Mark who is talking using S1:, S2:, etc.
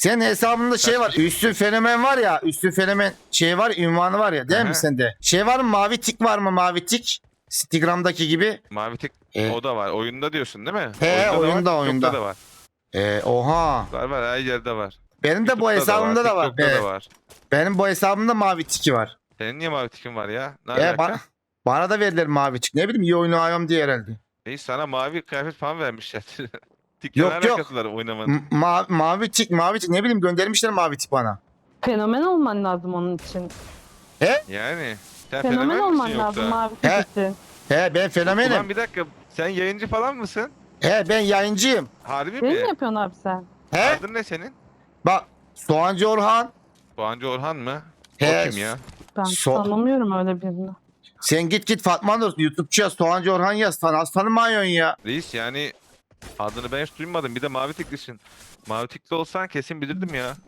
S1: Senin hesabında şey var. Üstün fenomen var ya. Üstün fenomen şey var. Ünvanı var ya. Değil
S2: Aha.
S1: mi sende? Şey var mı? Mavi tik var mı? Mavi tik. Instagram'daki gibi.
S2: Mavi tek
S1: E,
S2: o da var. Oyunda diyorsun değil mi?
S1: He, oyunda,
S2: da var,
S1: oyunda.
S2: TikTok'ta da var.
S1: Oha.
S2: Var her yerde var.
S1: Benim de bu
S2: YouTube'da
S1: hesabımda da var.
S2: TikTok'ta da var.
S1: Benim bu hesabımda mavi tiki var.
S2: Senin niye mavi tikin var ya? Ne
S1: Bana,
S2: alaka?
S1: bana da verdiler mavi tik. Ne bileyim iyi oynuyorum diye herhalde.
S2: Reis sana mavi kıyafet falan vermişler. Tikle ne
S1: Yok yok.
S2: alakası var oynamanın?
S1: Mavi tik ne bileyim göndermişler mavi tik bana.
S3: Fenomen olman lazım onun için.
S2: Yani sen
S3: Fenomen
S2: fenomen
S3: olman
S2: misin
S3: lazım
S2: yoksa?
S3: mavi
S1: He.
S3: tik için.
S1: Ben
S2: Ulan
S1: fenomenim.
S2: bir dakika sen yayıncı falan mısın?
S1: Ben yayıncıyım.
S2: Harbi
S3: Değil
S2: mi?
S3: mi yapıyorsun abi sen?
S2: Adın ne senin?
S1: Bak Soğancı Orhan.
S2: Doğancı Orhan mı?
S1: He,
S2: O kim ya?
S3: Ben tanımıyorum öyle birini.
S1: Sen git Fatma Nur YouTube'cu yaz Soğancı Orhan yaz. Tanımıyorsun ya.
S2: Reis yani adını ben hiç duymadım. Bir de mavi tiklisin. Mavi tikli olsan kesin bilirdim ya.